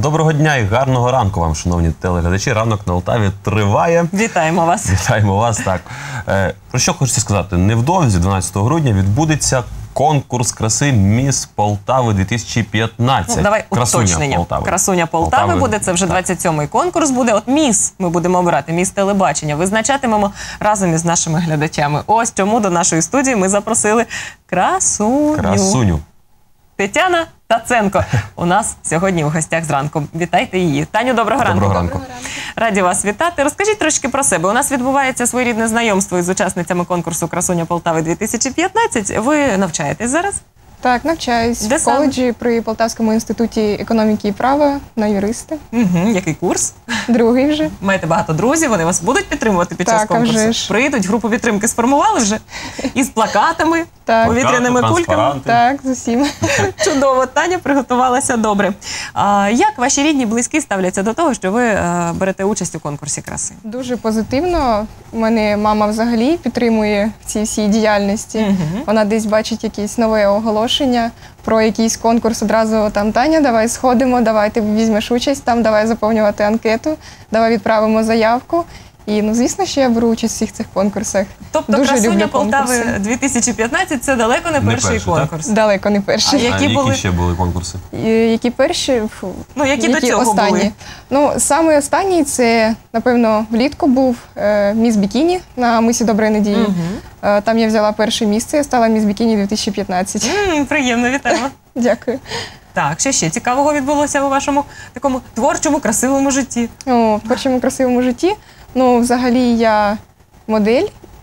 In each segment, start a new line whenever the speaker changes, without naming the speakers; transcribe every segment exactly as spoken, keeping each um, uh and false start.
Доброго дня і гарного ранку вам, шановні телеглядачі. Ранок на Алтаві триває.
Вітаємо вас.
Вітаємо вас, так. Е, про що хочеться сказати? Невдовзі, дванадцятого грудня, відбудеться конкурс краси «Міс Полтави дві тисячі п'ятнадцять».
Ну, давай
Красуня
уточнення.
Полтави.
Красуня Полтави,
Полтави
буде, це вже
так.
двадцять сьомий конкурс буде. От міс ми будемо обирати, міс телебачення. Визначатимемо разом із нашими глядачами. Ось чому до нашої студії ми запросили красуню.
Красуню.
Тетяна Таценко у нас сьогодні у гостях зранку. Вітайте її. Таню, доброго ранку.
Доброго ранку.
Раді вас вітати. Розкажіть трошки про себе. У нас відбувається своєрідне знайомство із учасницями конкурсу «Красуня Полтави дві тисячі п'ятнадцять». Ви навчаєтесь зараз?
Так, навчаюсь
Де
в коледжі при Полтавському інституті економіки і права на юриста.
Угу. Який курс?
Другий вже.
Маєте багато друзів, вони вас будуть підтримувати під час
Так, а
конкурсу?
вже ж.
Прийдуть, групу підтримки сформували вже? Із плакатами,
Так.
повітряними
Плакати,
кульками?
транспаранти.
Так, з усім.
Чудово, Таня приготувалася добре. А, як ваші рідні, близькі ставляться до того, що ви е, берете участь у конкурсі краси?
Дуже позитивно. У мене мама взагалі підтримує в цій всій діяльності.
Мгм.
Вона десь бачить якесь нове оголошення про якийсь конкурс. Одразу там: Таня, давай сходимо, давай ти візьмеш участь, там давай заповнювати анкету, давай відправимо заявку. І, ну, звісно, що я беру участь у всіх цих конкурсах.
Тобто
Дуже
«Красуня
люблю
Полтави
конкурси.
дві тисячі п'ятнадцять» – це далеко не
Не
перший
перший, так?
конкурс.
Далеко не перші.
А які
а
були?
які ще були конкурси?
І Які перші? Фу.
Ну, які до цього
останні?
були?
Ну, саме останній це, напевно, влітку був е, «Міс Бікіні» на мисі Доброї Надії.
Мгм.
Е, там я взяла перше місце, я стала «Міс Бікіні дві тисячі п'ятнадцять».
М, приємно, вітаємо.
Дякую.
Так, що ще цікавого відбулося у вашому такому творчому, красивому житті?
О, в першому красивому житті. Ну, взагалі, я модель.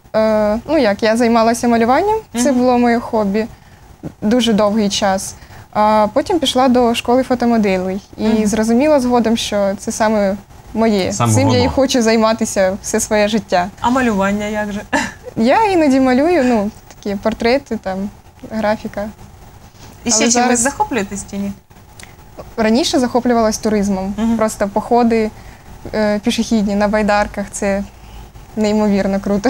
Е, ну, як, я займалася малюванням, це
Мгм.
було моє хобі дуже довгий час. А потім пішла до школи фотомоделей і
Мгм.
зрозуміла згодом, що це саме моє.
Саме
Цим я і
воно.
хочу займатися все своє життя.
А малювання як же?
Я іноді малюю, ну, такі портрети, там, графіка.
І ще
Але
чимось
зараз-
захоплюєтесь чи ні?
Раніше захоплювалась туризмом.
Мгм.
Просто походи е, пішохідні на байдарках. Це неймовірно круто.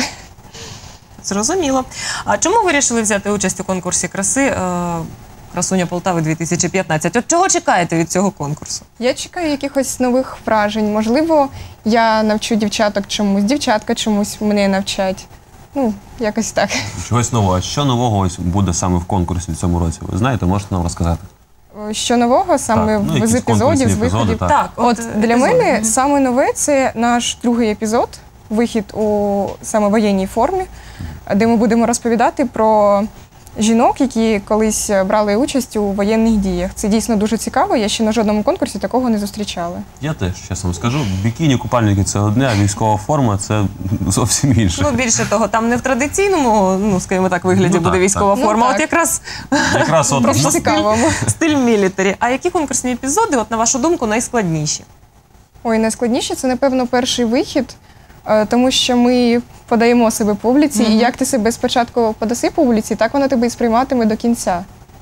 Зрозуміло. А чому ви вирішили взяти участь у конкурсі краси е, «Красуня Полтави дві тисячі п'ятнадцять»? От чого чекаєте від цього конкурсу?
Я чекаю якихось нових вражень. Можливо, я навчу дівчаток чомусь, дівчатка чомусь мене навчать. Ну, якось так.
Чогось нового. А що нового ось буде саме в конкурсі в цьому році? Ви знаєте, можете нам розказати?
Що нового саме
Так, ну,
в-
якісь
з епізодів,
конкурсні
з виходів?
епізоди, так.
От
е,
для
епізоди.
мене
Мгм.
саме нове це наш другий епізод, вихід у саме воєнній формі, де ми будемо розповідати про жінок, які колись брали участь у воєнних діях. Це дійсно дуже цікаво. Я ще на жодному конкурсі такого не зустрічала.
Я теж, чесно вам скажу, бікіні, купальники – це одне, а військова форма – це зовсім інше.
Ну, більше того, там не в традиційному, ну, скажімо так, вигляді
Ну,
буде
так,
військова
так.
форма,
Ну,
от
так.
якраз
Якраз от
Просто
ну,
цікавому.
стиль мілітарі. А які конкурсні епізоди, от на вашу думку, найскладніші?
Ой, найскладніше це, напевно, перший вихід, е, тому що ми подаємо себе публіці,
Мгм.
і як ти себе спочатку подаси публіці, так вона тебе і сприйматиме до кінця.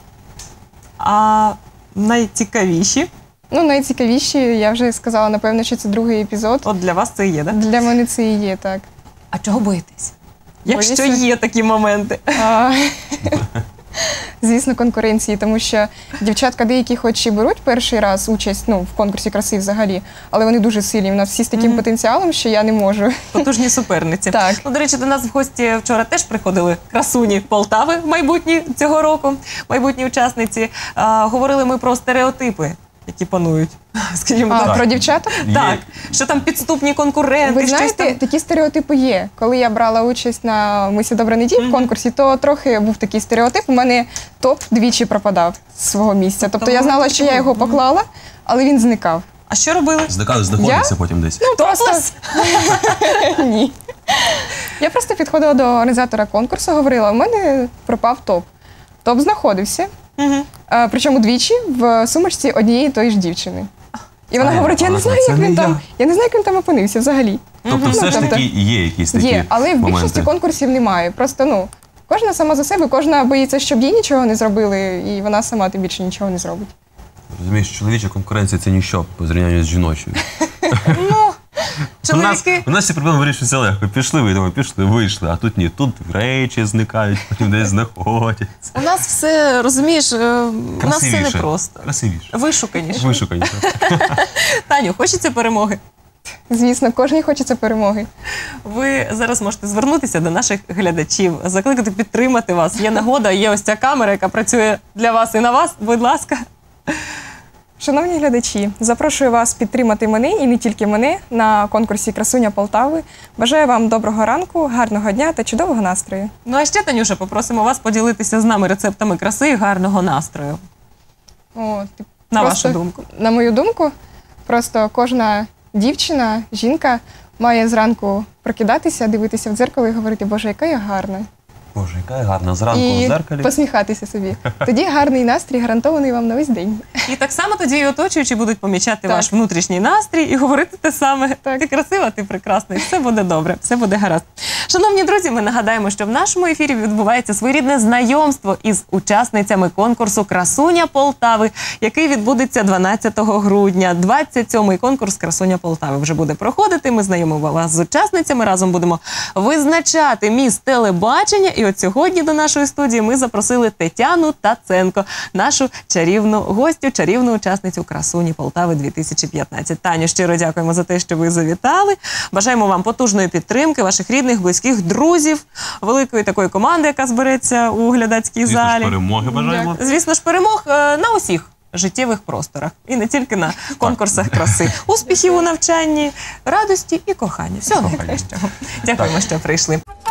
А найцікавіші?
Ну, найцікавіші, я вже сказала, напевно, що це другий епізод.
От для вас це і є, так?
Для мене це і є так.
А чого боїтесь? Якщо
Боюся.
є такі моменти.
А, звісно, конкуренції, тому що дівчатка деякі хоч і беруть перший раз участь, ну, в конкурсі краси взагалі, але вони дуже сильні. У нас всі з таким
Мгм.
потенціалом, що я не можу.
Потужні суперниці.
Так.
Ну, до речі, до нас в гості вчора теж приходили красуні Полтави майбутні цього року, майбутні учасниці. А, говорили ми про стереотипи, які панують. Скажімо
А
так.
про дівчаток?
є.
Так, що там підступні конкуренти,
Ви
щось
знаєте,
там.
такі стереотипи є. Коли я брала участь на «Мисі Доброї Надії» в
Мгм.
конкурсі, то трохи був такий стереотип. У мене топ двічі пропадав з свого місця. Тобто я знала, що я його поклала, але він зникав.
А що робили?
Зникали, знаходиться потім десь.
Ну, просто
Топлес?
ні. Я просто підходила до організатора конкурсу, говорила: у мене пропав топ. Топ знаходився,
Мгм.
а, причому двічі в сумочці однієї тої ж дівчини. І вона
А,
говорить: я не
вона
знаю,
каже,
як
«Це
він
не
там.
я».
Я не знаю, як він там опинився взагалі.
Тобто
Мгм.
все ж
Ну, тобто-
таки є якісь такі
Є, але в більшості
моменти.
конкурсів немає. Просто, ну, кожна сама за себе, кожна боїться, щоб їй нічого не зробили, і вона сама тим більше нічого не зробить.
Розумієш, чоловіча конкуренція – це ніщо по зрівнянню з жіночою.
Ну,
У нас,
Чоловіки,
у нас ці проблеми вирішуються легко. Пішли, вийдемо, пішли, вийшли. А тут ні. Тут речі зникають, потім десь знаходяться.
у нас все, розумієш, е, у нас все
Красивіше.
непросто.
Красивіше.
Вишуканіше.
Вишуканіше.
Таню, хочеться перемоги?
Звісно, кожній хочеться перемоги.
Ви зараз можете звернутися до наших глядачів, закликати підтримати вас. Є нагода, є ось ця камера, яка працює для вас і на вас. Будь ласка.
Шановні глядачі, запрошую вас підтримати мене і не тільки мене на конкурсі Красуня Полтави. Бажаю вам доброго ранку, гарного дня та чудового настрою.
Ну а ще, Танюша, попросимо вас поділитися з нами рецептами краси і гарного настрою.
О, ти
На
просто-
вашу думку.
На мою думку, просто кожна дівчина, жінка має зранку прокидатися, дивитися в дзеркало і говорити, Боже, яка я гарна.
Боже, яка я гарна зранку
І
в зеркалі.
посміхатися собі. Тоді гарний настрій гарантований вам на весь день.
І так само тоді і оточуючі будуть помічати
Так.
ваш внутрішній настрій і говорити те саме.
Так.
Ти красива, ти прекрасна, і все буде добре, все буде гаразд. Шановні друзі, ми нагадаємо, що в нашому ефірі відбувається своєрідне знайомство із учасницями конкурсу Красуня Полтави, який відбудеться дванадцятого грудня. двадцять сьомий конкурс Красуня Полтави вже буде проходити. Ми знайомимо вас з учасницями. Разом будемо визначати міс телебачення. І от сьогодні до нашої студії ми запросили Тетяну Таценко, нашу чарівну гостю, чарівну учасницю Красуні Полтави дві тисячі п'ятнадцять. Таню, щиро дякуємо за те, що ви завітали. Бажаємо вам потужної підтримки, ваших рідних, близьких, друзів, великої такої команди, яка збереться у глядацькій
Звісно ж,
залі.
перемоги бажаємо.
Звісно ж, перемог е, на усіх життєвих просторах. І не тільки на конкурсах краси. Успіхів у навчанні, радості і кохання. Всього найкращого. Дякуємо, що прийшли.